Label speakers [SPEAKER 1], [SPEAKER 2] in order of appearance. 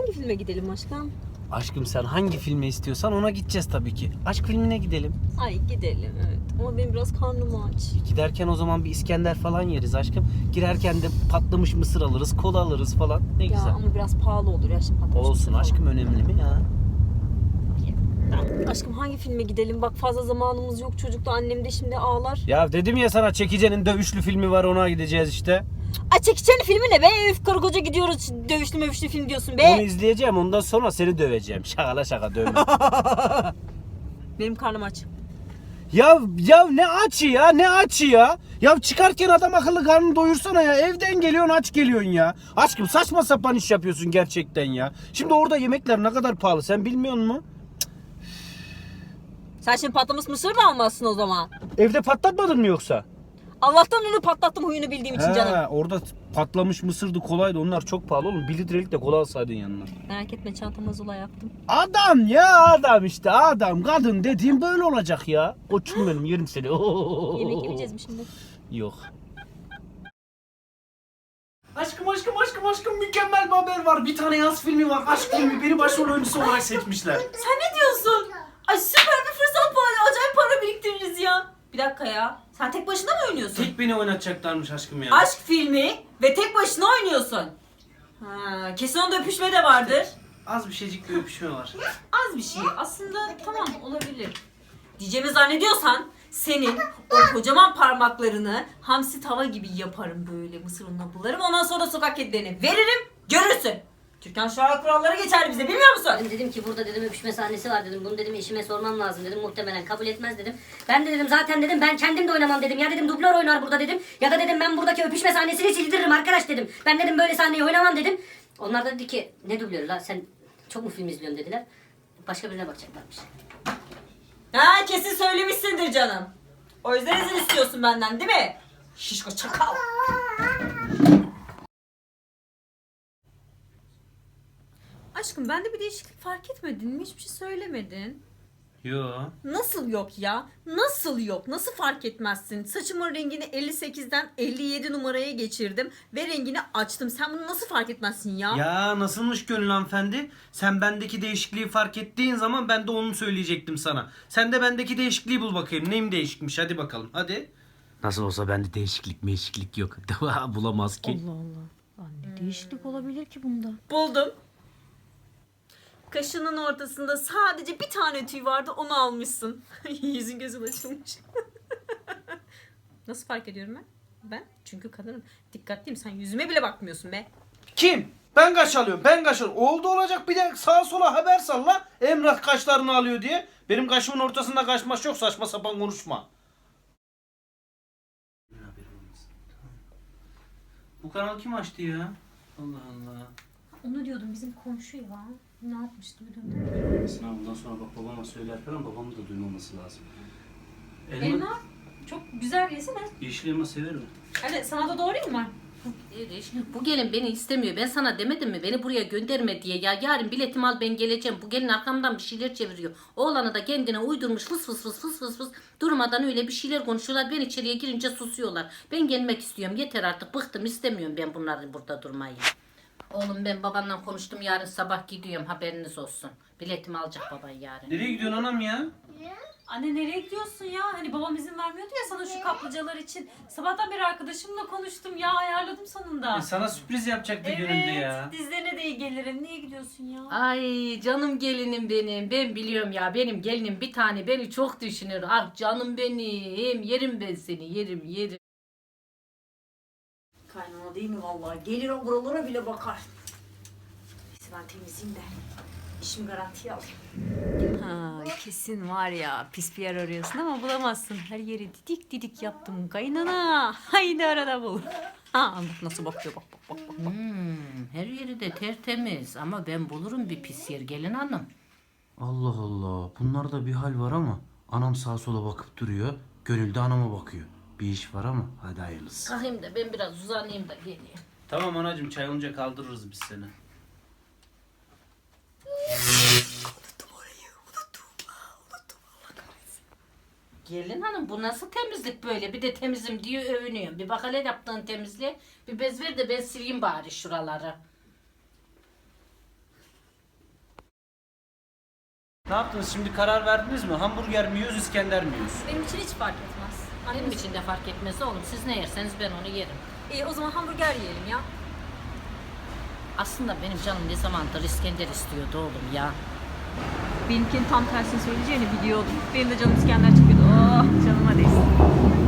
[SPEAKER 1] hangi filme gidelim aşkım?
[SPEAKER 2] Aşkım sen hangi filmi istiyorsan ona gideceğiz tabii ki. Aşk filmine gidelim.
[SPEAKER 1] Ay gidelim evet. Ama benim biraz karnım aç.
[SPEAKER 2] Giderken o zaman bir İskender falan yeriz aşkım. Girerken de patlamış mısır alırız, kola alırız falan. Ne
[SPEAKER 1] Ya
[SPEAKER 2] güzel.
[SPEAKER 1] ama biraz pahalı olur ya şimdi patlamış
[SPEAKER 2] Olsun
[SPEAKER 1] mısır
[SPEAKER 2] aşkım,
[SPEAKER 1] falan.
[SPEAKER 2] önemli mi ya?
[SPEAKER 1] Tamam. Aşkım hangi filme gidelim? Bak fazla zamanımız yok. Çocuk da annem de şimdi ağlar.
[SPEAKER 2] Ya dedim ya sana, Çekice'nin dövüşlü filmi var, ona gideceğiz işte.
[SPEAKER 1] Ay çekişen filmi ne be? Üf karı koca gidiyoruz. Dövüşlü mövüşlü film diyorsun be.
[SPEAKER 2] Onu izleyeceğim, ondan sonra seni döveceğim. Şakala şaka dövme.
[SPEAKER 1] Benim karnım aç.
[SPEAKER 2] ya ne açı ya, ne açı ya. Ya çıkarken adam akıllı karnını doyursana ya. Evden geliyorsun aç geliyorsun ya. Aşkım saçma sapan iş yapıyorsun gerçekten ya. Şimdi orada yemekler ne kadar pahalı sen bilmiyor musun?
[SPEAKER 1] Sen şimdi patlamış mısır da almazsın o zaman.
[SPEAKER 2] Evde patlatmadın mı yoksa?
[SPEAKER 1] Allah'tan onu patlattım huyunu bildiğim için canım.
[SPEAKER 2] Orada patlamış mısırdı, kolaydı, onlar çok pahalı oğlum. 1 litrelik de kola alsaydın yanına.
[SPEAKER 1] Merak etme çantama zula yaptım.
[SPEAKER 2] Adam ya, adam işte adam. Kadın dediğim böyle olacak ya. Koçum benim, yerim seni.
[SPEAKER 1] Yemek yemeyeceğiz mi şimdi?
[SPEAKER 2] Yok. Aşkım mükemmel bir haber var. Bir tane yaz filmi var. Aşk filmi. Beni başrol oyuncusu olarak seçmişler.
[SPEAKER 1] Sen ne diyorsun? Ay süper bir fırsat bu. Acayip para biriktiririz ya. Bir dakika ya. Sen tek başına mı oynuyorsun?
[SPEAKER 2] Tek beni oynatacaklarmış aşkım ya.
[SPEAKER 1] Aşk filmi ve tek başına oynuyorsun. Ha, kesin onda öpüşme de vardır.
[SPEAKER 2] Az bir şeycik bir öpüşme var.
[SPEAKER 1] Az bir şey. Aslında tamam olabilir. Diyeceğimi zannediyorsan senin o kocaman parmaklarını hamsi tava gibi yaparım böyle mısır ununa bularım. Ondan sonra sokak kedilerine veririm görürsün. Türkan Şoray kuralları geçerli bize bilmiyor musun?
[SPEAKER 3] Ben dedim ki burada dedim öpüşme sahnesi var dedim. Bunu dedim eşime sormam lazım dedim. Muhtemelen kabul etmez dedim. Ben de dedim zaten dedim ben kendim de oynamam dedim. Ya dedim dublör oynar burada dedim. Ya da dedim ben buradaki öpüşme sahnesini sildiririm arkadaş dedim. Ben dedim böyle sahneyi oynamam dedim. Onlar da dedi ki ne dublörü la sen çok mu film izliyorsun dediler. Başka birine bakacaklarmış.
[SPEAKER 1] Ha kesin söylemişsindir canım. O yüzden izin istiyorsun benden değil mi? Şişko çakal. Aşkım bende bir değişiklik fark etmedin mi? Hiçbir şey söylemedin.
[SPEAKER 2] Yo.
[SPEAKER 1] Nasıl yok ya? Nasıl yok? Nasıl fark etmezsin? Saçımın rengini 58'den 57 numaraya geçirdim ve rengini açtım. Sen bunu nasıl fark etmezsin ya?
[SPEAKER 2] Ya nasılmış gönül hanımefendi? Sen bendeki değişikliği fark ettiğin zaman ben de onu söyleyecektim sana. Sen de bendeki değişikliği bul bakayım. Neyim değişikmiş, hadi bakalım hadi. Nasıl olsa bende değişiklik yok. Bulamaz ki.
[SPEAKER 1] Allah Allah. Ne değişiklik olabilir ki bunda? Buldum. Kaşının ortasında sadece bir tane tüy vardı, onu almışsın. Yüzün gözün açılmış. Nasıl fark ediyorum ben? Ben çünkü kadınım. Dikkatliyim, sen yüzüme bile bakmıyorsun be.
[SPEAKER 2] Kim? Ben kaş alıyorum, Oldu olacak bir de sağa sola haber salla. Emrah kaşlarını alıyor diye. Benim kaşımın ortasında kaşmaş yok, saçma sapan konuşma. Bu kanal kim açtı ya? Allah Allah.
[SPEAKER 1] Onu diyordum, bizim komşu ya. Ne yapmıştı bir dönem?
[SPEAKER 2] Bundan sonra bak babama söyler falan, babamın da duymaması lazım.
[SPEAKER 1] Elma çok güzel yesene.
[SPEAKER 2] Yeşil elma sever mi?
[SPEAKER 1] Hadi sana da doğrayayım mı?
[SPEAKER 3] Bu gelin beni istemiyor. Ben sana demedim mi beni buraya gönderme diye ya. Yarın biletimi al ben geleceğim. Bu gelin arkamdan bir şeyler çeviriyor. Oğlanı da kendine uydurmuş fıs fıs. Durmadan öyle bir şeyler konuşuyorlar. Ben içeriye girince susuyorlar. Ben gelmek istiyorum. Yeter artık bıktım, istemiyorum ben bunların burada durmayı. Oğlum ben babanla konuştum, yarın sabah gidiyorum, haberiniz olsun. Biletimi alacak baban yarın.
[SPEAKER 2] Nereye gidiyorsun anam ya?
[SPEAKER 1] Anne nereye gidiyorsun ya? Hani babam izin vermiyordu ya sana şu kaplıcalar için. Sabahtan beri arkadaşımla konuştum ya, ayarladım sonunda.
[SPEAKER 2] Sana sürpriz yapacaktı gönülde
[SPEAKER 1] Evet,
[SPEAKER 2] ya.
[SPEAKER 1] dizlerine de iyi gelirim. Niye gidiyorsun ya?
[SPEAKER 3] Ay canım gelinim benim. Ben biliyorum ya, benim gelinim bir tane beni çok düşünür. Ah canım benim. Yerim ben seni, yerim.
[SPEAKER 1] Kaynana değil mi vallahi? Gelir o buralara bile bakar. Neyse ben temizleyeyim de işimi garantiye alayım. Ha, kesin var ya pis bir yer arıyorsun ama bulamazsın. Her yeri didik yaptım kaynana. Haydi arada bul. Ha bak nasıl bakıyor bak.
[SPEAKER 3] Her yeri de tertemiz ama ben bulurum bir pis yer gelin hanım.
[SPEAKER 2] Allah Allah, bunlarda bir hal var ama anam sağa sola bakıp duruyor. Gönül de anama bakıyor. Bir iş var ama hadi hayırlısı.
[SPEAKER 3] Kalkayım da ben biraz uzanayım da geleyim.
[SPEAKER 2] Tamam anacığım, çay olunca kaldırırız biz seni.
[SPEAKER 3] Gelin hanım bu nasıl temizlik böyle? Bir de temizim diye övünüyorum. Bir bak hele yaptığın temizliğe. Bir bez ver de ben sileyim bari şuraları.
[SPEAKER 2] Ne yaptınız şimdi, karar verdiniz mi? Hamburger mi yiyoruz, İskender mi yiyoruz?
[SPEAKER 1] Benim için hiç fark etmez.
[SPEAKER 3] Benim için de fark etmez oğlum. Siz ne yerseniz ben onu yerim.
[SPEAKER 1] İyi o zaman hamburger yiyelim ya.
[SPEAKER 3] Aslında benim canım ne zamandır İskender istiyordu oğlum ya.
[SPEAKER 1] Benimkinin tam tersini söyleyeceğini biliyordum. Benim de canım İskender çıkıyordu. Oh canıma değsin.